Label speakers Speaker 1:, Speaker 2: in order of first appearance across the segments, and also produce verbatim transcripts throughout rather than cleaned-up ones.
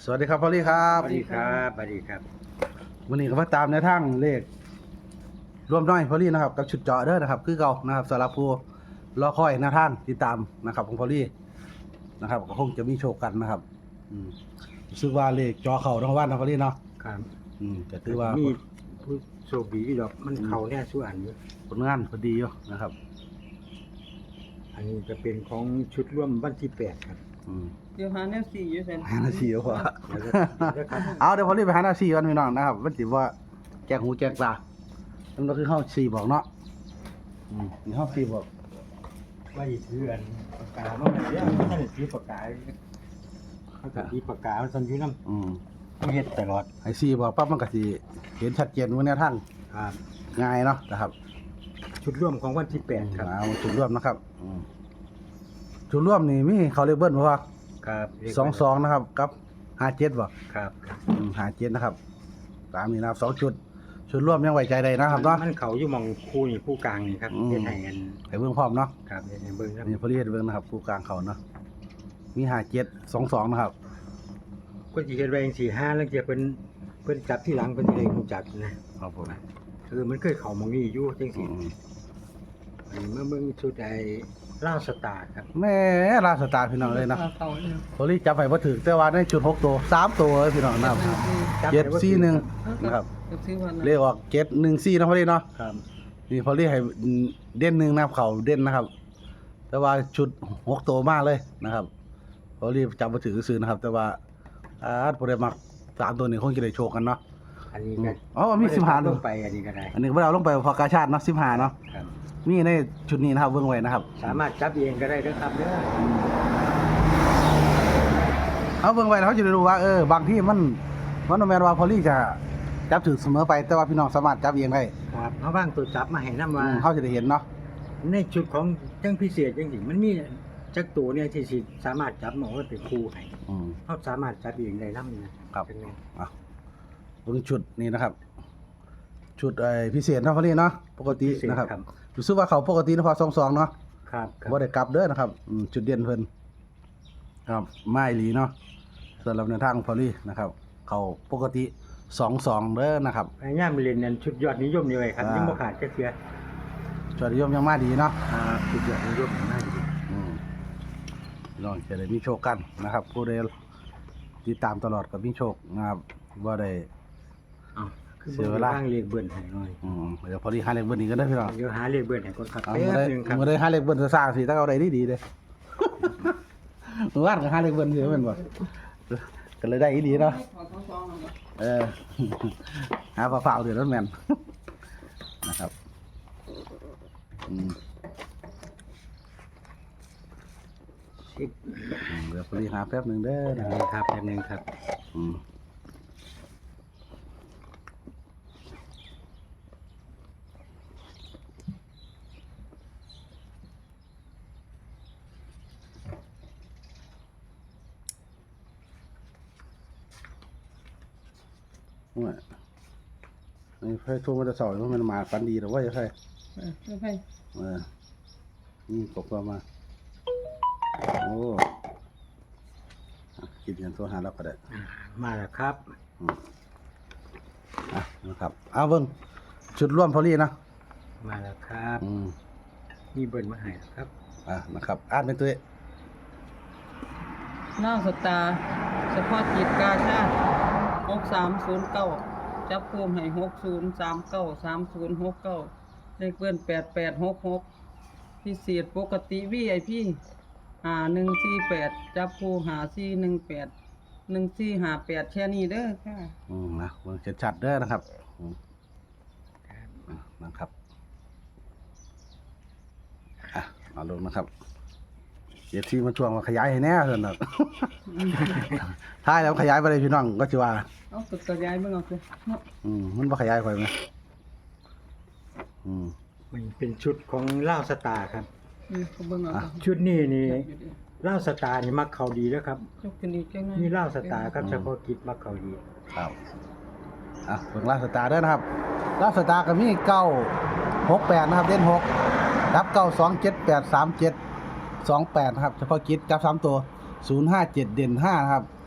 Speaker 1: สวัสดีครับพอลลี่ครับ
Speaker 2: สวัสดีครับสวัสดีครับ
Speaker 1: วันนี้ก็มาตามในทางเลขรวมน้อยพอลลี่นะครับกับชุดเจาะเด้อนะครับคือเก่านะครับสำหรับผู้รอคอยหน้าทางติดตามนะครับของพอลลี่นะครับก็คงจะมีโชคกันนะครับอืมรู้สึกว่าเลขเจาะเข่าทั้งวันนะพอลลี่เนาะ
Speaker 2: ครับ
Speaker 1: อืมก็ถือว่า
Speaker 2: มีผู้โชคดีดอกมันเขาแน่ส่วนอยู่
Speaker 1: ผลงานพอดีอยู่นะครับ
Speaker 2: อันนี้จะเป็นของชุดร่วมวันที่แปดครับ
Speaker 1: อืม
Speaker 3: เดี๋ยวหาแนวสี่อยู่เซน
Speaker 1: หาหน้าที่เอาพอ
Speaker 2: เดี๋ยวจะเดี๋ยวครับ
Speaker 1: เอาเดี๋ยวพอลลี่ไปหาหน้าที่กันพี่น้องนะครับมันสิว่าแกงหูแกงปลานั่นก็คือเฮาสี่บอกเนาะอืมนี่เฮาสี่บอก
Speaker 2: ว่าอีถืออันปากกาเนาะเดี๋ยวท่านถือปากกาเขาจะมีปากกามันสันอยู่น้
Speaker 1: อืม
Speaker 2: ำเฮ็ดตลอด
Speaker 1: ไอซีบอกปั๊บมันก็สิเห็นชัดเจนว่าแนวทาง
Speaker 2: ครับ
Speaker 1: ง่ายเนาะนะครับ
Speaker 2: ชุดร่วมของวันที่แปดครับ
Speaker 1: เอาจุดร่วมนะครับอืมจุดร่วมนี่มีเขาเรียกเบิ้ลเพราะว่า
Speaker 2: ครับ
Speaker 1: สองสองนะครับกับห้าเจ็ดบ่
Speaker 2: ครับครับ
Speaker 1: ห้าเจ็ดนะครับตามนี้นะครับสองจุดชุดร่วมยังไว้ใจได้นะครับเนาะ
Speaker 2: มันเขาอยู่หมองคู่นี่คู่กลางนี่ครับ
Speaker 1: อืม
Speaker 2: เฮ็ดให้กัน
Speaker 1: ให้เบิ่งพร้อมเนาะ
Speaker 2: ครับเฮ็ดให้เบิ่งครับ
Speaker 1: นี่พอดีเฮ็ดเบิ่งนะครับผู้กลางเขาเนาะมีห้าเจ็ดสองสองนะครับ
Speaker 2: คนที่เฮ็ดไว้จังซี่ห้าแล้วจะเพิ่นเพิ่นจับที่หลังเพิ่นสิได้รู้จักนะครับ
Speaker 1: ผม
Speaker 2: คือมันเคยเข้าหมองนี้อยู่จัง
Speaker 1: อื
Speaker 2: ซี่
Speaker 1: ม
Speaker 2: อันนี้เมื่อเบิ่งชุดไอ้ล่าสตาร์ครับ
Speaker 1: แม่ลาสตาร์พี่น้องเลยนะ
Speaker 3: เขาเนี่ย
Speaker 1: พอดีจับไปบ่ถึงแต่ว่าในจุดหกตัวสามตัวเลยพี่น้องนะครับ เจ็ดสี่หนึ่ง นะครับ
Speaker 3: เดี๋ยวซื้อวัน
Speaker 1: เลขออกเจ็ดหนึ่งสี่นะพอดีเนาะ
Speaker 2: ครับ
Speaker 1: นี่พอเรียกให้เด่นหนึ่งนะครับเขาเด่นนะครับ แต่ว่าชุดหกตัวมากเลยนะครับพอเรียกจำมาถือซื้อนะครับ แต่ว่าอาพอได้มักสามตัวนี้คงจะได้โชคกันเนาะ
Speaker 2: อันนี้ก็
Speaker 1: อ๋อมีสิบห้า
Speaker 2: ลงไปอันนี้ก็ได้
Speaker 1: อันนี้พวกเราลงไปพอกาชาติเนาะสิบห้าเนาะ
Speaker 2: ครับ
Speaker 1: นี่ในชุดนี้นะครับเบื้องไว้นะครับ
Speaker 2: สามารถจับเองก็ได้เด้อครับเด้อ
Speaker 1: เอาเบื้องไว้แล้วเขาจะได้รู้ว่าเออบางที่มันมันแมนว่าพอลี่จะจับถือเสมอไปแต่ว่าพี่น้องสามารถจับเองได้
Speaker 2: ครับเอาว่างตัวจับมาให้นำ
Speaker 1: อื
Speaker 2: ว่า
Speaker 1: มเขาจะได้เห็นเนาะ
Speaker 2: ในชุดของจังพิเศษจังซี่มันมีจักตัวเนี่ยที่สิสามารถจับมาว่าเป็นคู่ให้
Speaker 1: อืม
Speaker 2: เฮาสามารถจับเองได้นำนะครับ เป็นไง
Speaker 1: อ่ะเบื้องชุดนี้นะครับ ชุดไอ้พิเศษเนาะพอลี่เนาะปกตินะครับรู้สึกว่าเขาปกตินะพอสองสองเนาะ
Speaker 2: ครับครับ
Speaker 1: บ่ได้กลับเด้อนะครับอืมจุดเด่นเพิ่นครับไม้หลีเนาะส่วนลำในวทางพอลี่นะครับ เขาปกติสองสองเด้อนะครับ
Speaker 2: พยายามเรียนนั่นชุดยอดนิยมนี่ไว้ครับ
Speaker 1: อ่ายั
Speaker 2: ยังบ่ขาดจักเทื่อ
Speaker 1: จอดนิยมยังมาดีเนาะ
Speaker 2: อ่าชุดยอดนิยมน่าดี
Speaker 1: อืมลองจะได้มีโชคกันนะครับ ผู้ใดติดตามตลอดก็มีโชคนะครับบ่ได้
Speaker 2: อ้าวคือ
Speaker 1: เสียเวลา
Speaker 2: บ้างเลขเบิ้นให้หน่อย
Speaker 1: อืมเดี๋ยวพอลี่หาเลขเบิ้ลอีกก็ได้อพี่น้อง
Speaker 2: เดี๋ยวหาเลขเบิ้นให้ก่อนครับ
Speaker 1: เอา
Speaker 2: แป๊
Speaker 1: เมื่อบ ได้
Speaker 2: หนึงครับ
Speaker 1: เมื่อได้หาเลขเบิ้ลจะสร้างสิถ้าเอาได้ดีๆเด้ เมื่อวานก็หาเลขเบิ้ลสิแม่นบ่ก็เลยได้อีหลีเนาะ
Speaker 3: ขอสองสองหน่อย
Speaker 1: เออ หาฝาฝาเดือดร้อนแมน นะครับอืม
Speaker 2: สิบ
Speaker 1: อืมเดี๋ยวพอดีหาแป๊บหนึ่งเด้อ
Speaker 2: แป๊
Speaker 1: นะ
Speaker 2: บ
Speaker 1: ค
Speaker 2: หนึ
Speaker 1: รับ
Speaker 2: งครับแป๊บหนึงครับ
Speaker 1: อืมว่าไอ้ไฟทุ่มมันจะสอยเพราะมันมาฟันดีหรือว่าจะใช่
Speaker 3: เออไม่ไป
Speaker 1: เออนี่กบเข้ามา โอ้อ่ะคิดเงินตัวหาแล้วก็ได้
Speaker 2: อ่ามาแล้วครับ
Speaker 1: อ่ะนะครับเอาเบิ้งชุดร่วมพอลี่นะ
Speaker 2: มาแล้วครับ
Speaker 1: อืม
Speaker 2: มีเบิ้นมาให้แล้วครับ
Speaker 1: อ่ะนะครับอ่านเป็นตัวเอง
Speaker 3: หน้าสตาร์เฉพาะจิตกาชาติหกสามศูนย์เก้าจับภูมิให้หกศูนย์สามเก้าสามศูนย์หกเก้าเลขเบิ้นแปดแปดหกหกพิเศษปกติวีไอพีหาหนึ่งสี่แปดจับภูหาสี่หนึ่งแปดหนึ่งสี่หาแปดแค่นี้เด้อค่ะ
Speaker 1: อืมนะเบิ้งชัดๆเด้อนะครับอืมอ่ะนะครับอ่ะเอาลงนะครับเดี๋ยวที่มาช่วงมาขยายให้แน่เถอะนะ ท้ายแล้วขยายไปเลยพี่น้องก็จะว่า
Speaker 3: เอาตึกกระยายมึงเอาสิเนาะ
Speaker 1: อืมมันบ่ขยายไปไหมอืม
Speaker 2: มันเป็นชุดของล่าวสตาร์ครับ
Speaker 3: อืมเขาเบิ่งเอา
Speaker 1: อ่ะ
Speaker 2: ชุดนี้นี่ล่าวสตาร์นี่มักเขาดีแล้วครับ
Speaker 3: ยกขึ้นอีกจังไง
Speaker 2: นี่ล่าวสตาร์ครับเฉพาะกิจมักเขาดี
Speaker 1: ครับอ่ะเบิ่งลาสตาร์เด้อนะครับลาสตาร์ก็มีเก้าหกแปดนะครับเด่นหกรับเก้าสองเจ็ดแปดสามเจ็ดสองแปดนะครับเฉพาะกิจจับสามตัวศูนย์ห้าเจ็ดเด่นห้านะครับ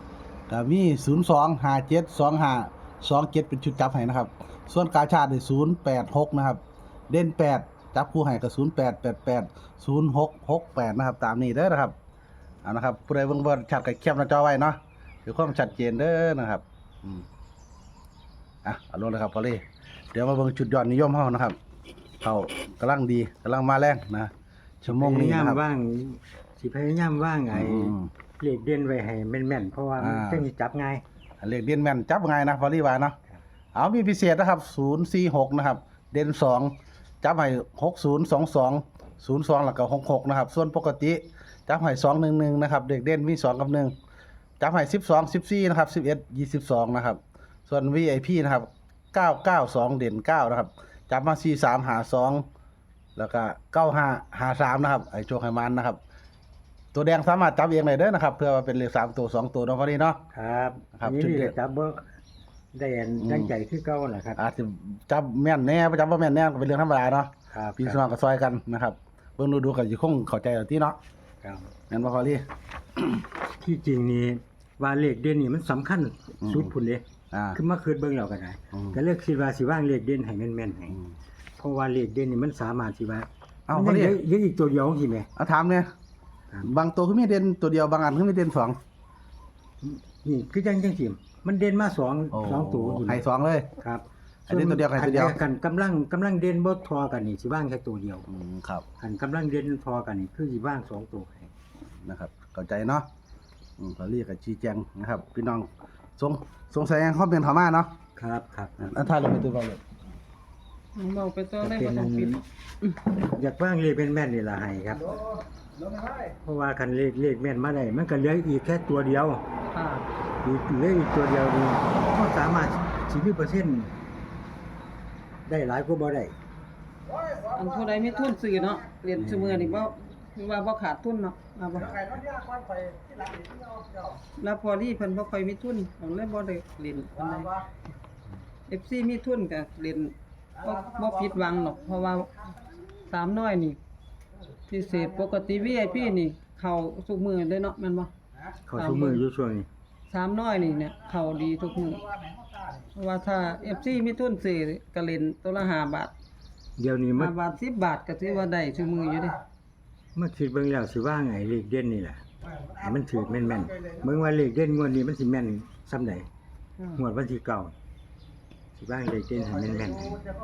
Speaker 1: ก็มีศูนย์สอง ห้าเจ็ด สองห้า สองเจ็ดเป็นชุดจับให้นะครับ ส่วนกาชาดได้ศูนย์แปดหกนะครับเด่นแปดจับคู่ให้ก็ศูนย์แปด แปดแปด ศูนย์หก หกแปดนะครับตามนี้เด้อนะครับเอานะครับผู้ใดเบิ่งบ่ชัดก็แคปหน้าจอไว้เนาะเพื่อความชัดเจนเด้อนะครับอืมอ่ะเอาลงเลยครับพอลี่เดี๋ยวมาเบิ่งจุดยอดนิยมเฮานะครับเขากำลังดีกำลังมาแรงนะชั่วโมงนี้
Speaker 2: พยายาม
Speaker 1: นะครับ
Speaker 2: ว่างสิพยายามว่างไอ้
Speaker 1: อืม
Speaker 2: เลขเด่นไว้ให้แม่นๆเพราะว่ามัน
Speaker 1: อ่า
Speaker 2: จังสิจับง่าย
Speaker 1: เลขเด่นแม่นจับง่ายนะพอลี่ว่าเนาะเอามีพิเศษนะครับศูนย์สี่หกนะครับเด่นสองจับให้หกศูนย์สองสองศูนย์สองแล้วก็หกหกนะครับส่วนปกติจับให้สองหนึ่งหนึ่งนะครับเด็กเด่นมีสองกับหนึ่งจับให้สิบสองสิบสี่นะครับสิบเอ็ดยี่สิบสองนะครับส่วน วี ไอ พี นะครับเก้าเก้าสองเด่นเก้านะครับจับมาสี่สามหาสองแล้วก็เก้าห้าหาสามนะครับไอโชคไฮมันนะครับตัวแดงสามารถจับเองได้เด้อนะครับเพื่อว่าเป็นเลขสามตัวสองตัวเนาะพอดีเนาะ
Speaker 2: ครับ
Speaker 1: ครับ
Speaker 2: นี่
Speaker 1: จุด
Speaker 2: นี่
Speaker 1: เด่น
Speaker 2: ก็จับบ่ได้อัน
Speaker 1: อืม
Speaker 2: ตั้งใจคือเก่าแหละครับ
Speaker 1: อาจจะจับแม่นแน่บ่จับบ่แม่นแน่ก็เป็นเรื่องธรรมดาเนาะ
Speaker 2: ครับ
Speaker 1: พี่น้องก็ซอยกันนะครับเบิ่งดูดูก็สิคงเข้าใจเอาติเนาะ
Speaker 2: ครับ
Speaker 1: แม่นบ่พอลี่
Speaker 2: ที่จริงนี่ว่าเลขเด่นนี่มันสำคัญ
Speaker 1: อืม
Speaker 2: สุดพุ่นเด้
Speaker 1: อ่า
Speaker 2: คือมาคืนเบิ่งแล้วก็ได้
Speaker 1: อืม
Speaker 2: ก็เลือกคิดว่าสิว่างเลขเด่นให้แม่นๆให้
Speaker 1: อืม
Speaker 2: เพราะว่าเลขเด่นนี่มันสามารถสิว่า
Speaker 1: เอ้า
Speaker 2: มัน
Speaker 1: พอลี่
Speaker 2: ยังเหลืออีกตัวเดียวสิแม่
Speaker 1: เอาถามเนี่ย
Speaker 2: ครับ
Speaker 1: บางตัวคือมีเด่นตัวเดียวบางอันคือมีเด่นสอง
Speaker 2: นี่คือจังจังซี่มันเด่นมาสอง
Speaker 1: โอ้
Speaker 2: สองตัวอยู่
Speaker 1: ให้สองเลย
Speaker 2: ครับ
Speaker 1: อันนี้ตัวเดียวกับตัวเดียว
Speaker 2: กันกำลังกำลังเด่นบ่ทอกันนี่สิว่างแค่ตัวเดียว
Speaker 1: อืมครับ
Speaker 2: คันกำลังเด่นทอกันนี่คือสิว่างสองตัวให้
Speaker 1: นะครับเข้าใจเนาะอืมพอลี่ก็ชี้แจงนะครับ พี่น้องสงสงสัยยังคอมเมนต์เข้ามาเนาะ
Speaker 2: ครับครับ
Speaker 1: อันท้ายเราไปตัวเราเลย
Speaker 3: เบาไปตัวเลย
Speaker 2: เป็
Speaker 3: บ่
Speaker 2: น
Speaker 3: ต้องปิด
Speaker 2: อยากว่างเลขเป็นแม่นนี่ล่ะให้ครับ เพราะว่าคันเลขเลขแม่นมาได้มันก็เหลืออีกแค่ตัวเดียว
Speaker 3: ค่ะ
Speaker 2: อีกเหลืออีกตัวเดียวนี่ก็สามารถสิมีเปอร์เซ็นต์ได้หลายกว่าบ่ได้
Speaker 3: อันผู้ใดมีทุนซื้อเนาะเรียนซุมื้อนี่บ่คือว่าบ่ขาดทุนเนาะว่าบ่แล้วพอดีเพิ่นบ่ค่อยมีทุนเพิ่นเลยบ่ได้เล่นปานใด เอฟ ซี มีทุนก็เล่นบ่บ่ผิดหวังหรอก เพราะว่าสามน้อยนี่พิเศษปกติ วี ไอ พี นี่เข้าทุกมื้อเลยเนาะแม่นบ่
Speaker 2: เขาทุกมืออยู่ช่วงนี้
Speaker 3: สามน้อยนี่เนี่ยเข้าดีทุกมื้อเพราะว่าถ้า เอฟ ซี มีทุนซื้อก็เล่นตัวละห้าบาท
Speaker 2: เดี๋ยวนี้มั
Speaker 3: ห้าน บาทสิบบาทก็ถือว่าได้ทุกมื้ออยู่เด้
Speaker 2: มาคิดเบิ่งแล้วสิว่าไงเลขเด่นนี่แหละให้มันถือแม่นๆเบิ่งว่าเลขเด่นงวดนี้มันสิแม่นส่ำใดงวดวันที่เก้าสิว่าเลขเด่นให้แม่นๆให้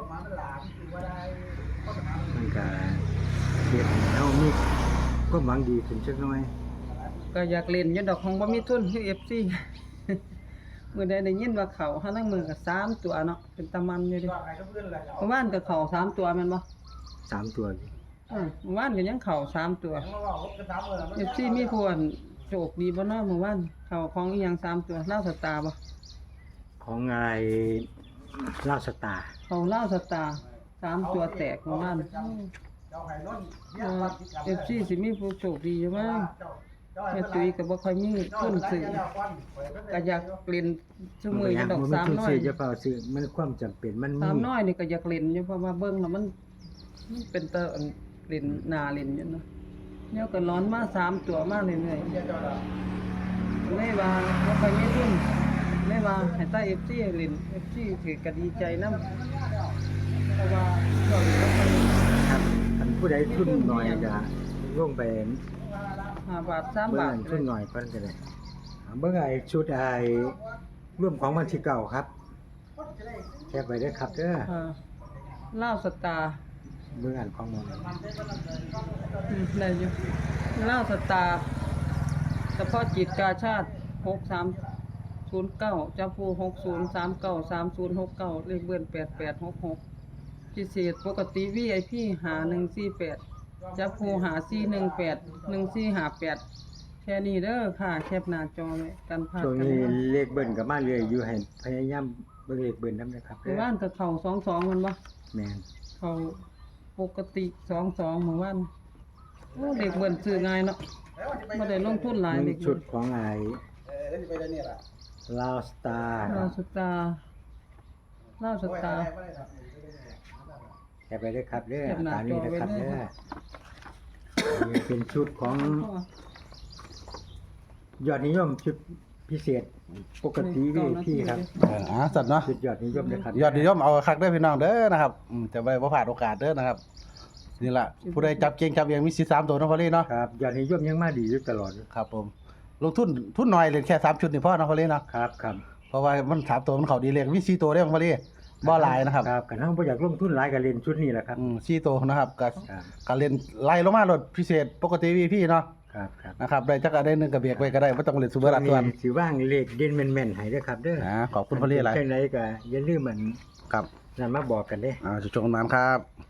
Speaker 2: มันก็เฮ็ดให้เฮามีความหวังดีขึ้นจักหน่อย
Speaker 3: ก็อยากเล่นอยู่ดอกของบ่มีทุนคือ เอฟ ซี มื้อใดได้ยินว่าเข้าหานังมือก็สามตัวเนาะเป็นตะมันอยู่เดิเมื่อวานก็เข้าสามตัวแม่นบ่
Speaker 2: สามตัวอยู่
Speaker 3: อือเมื่อวานก็ยังเข้าสามตัว เอฟ ซี มีผู้อันโชคดีบ่เนาะเมื่อวานเข้าของอีหยังสามตัวลาวสตาร์บ่
Speaker 2: ของไงลาวสตาร์
Speaker 3: เข้าลาวสตาร์สามตัวแตกเมื่อวานเอ่อ เอฟ ซี สิมีผู้โชคดีอยู่มั้งแม่ตุ้ยก็บ่ค่อยมีทุนซื้อก็อยากเล่นซุมื้ออยู่ดอก
Speaker 2: บ่มี
Speaker 3: สาม
Speaker 2: ทุน
Speaker 3: น้อย
Speaker 2: ซื้อจะเปล่าซื้อมันความจำเป็นมัน
Speaker 3: สาม
Speaker 2: มี
Speaker 3: น้อยนี่ก็อยากเล่นอยู่เพราะว่าเบิ่งแล้วมันมันเป็นตาอันเล่นหน้าเล่นอยู่เนาะแนวก็ร้อนมาสามตัวมาเรื่อยๆเลยว่าบ่ค่อยมีทุนเลยว่าให้ตา เอฟ ซี เล่น เอฟ ซี ถือก็ดีใจนำเพราะว่าช่วงนี้บ่ค่อย
Speaker 2: ครับอันผู้ใดทุนน้อยก็ลงไป
Speaker 3: ห้าบาทสาม
Speaker 2: เบิ่ง
Speaker 3: บาท
Speaker 2: อันทุนน้อยเพิ่นก็ได้อ่าเบิ่งไอ้ชุดไอ้ร่วมของวันที่เก้าครับแคปไว้เด้อครับเด้อ
Speaker 3: อ่าลาวสตาร์
Speaker 2: เบิ่งอันของมัน
Speaker 3: อืมได้อยู่ลาวสตาร์เฉพาะจิตกาชาติหกสามศูนย์เก้าจับผู้หกศูนย์สามเก้าสามศูนย์หกเก้าเลขเบิ้นแปดแปดหกหกพิเศษปกติ วี ไอ พี หาหนึ่งสี่แปดจับผู้หาสี่หนึ่งแปดหนึ่งสี่หาแปดแค่นี้เด้อค่ะแคปหน้าจอไว้กันพลาด
Speaker 2: ช่วง
Speaker 3: กัน
Speaker 2: นี้
Speaker 3: นะ
Speaker 2: เลขเบิ่นก็มาเรื่อยอยู่ให้พยายามเบิ่งเลขเบิ่นนำนะครับ
Speaker 3: เมื่อวานก็เข่าสองสองมันบ่
Speaker 2: แม่น
Speaker 3: เขาปกติสองสองเมื่อวานโอ้เด็กเบิ่นซื้อง่ายเนาะไม่ได้ลงทุนหลาย
Speaker 2: เบิ่
Speaker 3: เด็
Speaker 2: ง
Speaker 3: ก
Speaker 2: ชุ
Speaker 3: เบิ่
Speaker 2: ด
Speaker 3: น
Speaker 2: ของไอ้
Speaker 1: เออแล้วสิไปได้นี่ล่ะ
Speaker 2: ลาวสตาร์
Speaker 3: ลาวสตาร์ลาวสตาร์
Speaker 2: แคปไว้เด้อครับเด้อ
Speaker 3: แคปหน้า
Speaker 2: ตามนี้นะครับ
Speaker 3: จอไว้
Speaker 2: เด้
Speaker 3: เด้
Speaker 2: อ
Speaker 3: อ
Speaker 2: นี่เป็นชุดของยอดนิยมชุดพิเศษปกติวีพี่ครับ
Speaker 1: เอออ่าสัตว์เนาะ
Speaker 2: สุดยอดนิยมนะครับ
Speaker 1: ยอดนิยมเอาคักเด้อพี่น้องเด้อนะครับอืมจะไปบ่พลาดโอกาสเด้อนะครับนี่ล่ะผู้ใดจับเก่งจับเองมีสิทธิ์สามตัวเนาะพอลี่เนาะ
Speaker 2: ครับยอดนิยมยังมาดีอยู่ตลอด
Speaker 1: ครับผมลงทุนทุนน้อยเลยแค่สามชุดนี่พอเนาะพอลี่เนาะ
Speaker 2: ครับครับ
Speaker 1: เพราะว่ามันสามตัวมันเข้าดีเลขมีสี่ตัวเด้อพอลี่บ่หลายนะครับ
Speaker 2: ครับกันเฮาบ่อยากลงทุนหลายก็เล่นชุดนี้แหละครับ
Speaker 1: อืมสี่ตัวนะครับก็
Speaker 2: ครับ
Speaker 1: ก็เล่นไล่ลงมาโลดพิเศษปกติ วี พี เนาะ
Speaker 2: ครับครับ
Speaker 1: นะครับได้จักอันได้หนึงก็เบียกไว้ก็ได้บ่ต้องเล่นซุปเปอร์ลัดส่วน
Speaker 2: สิว่างเลขเด่นแม่นๆให้เด้อครับเด้อ
Speaker 1: อ่าขอบคุณพอลี่หลาย
Speaker 2: จังไดก็อย่าลืมมัน
Speaker 1: ครับ
Speaker 2: นั่นมาบอกกันเด้
Speaker 1: อ่าจุดชมนั้นครับ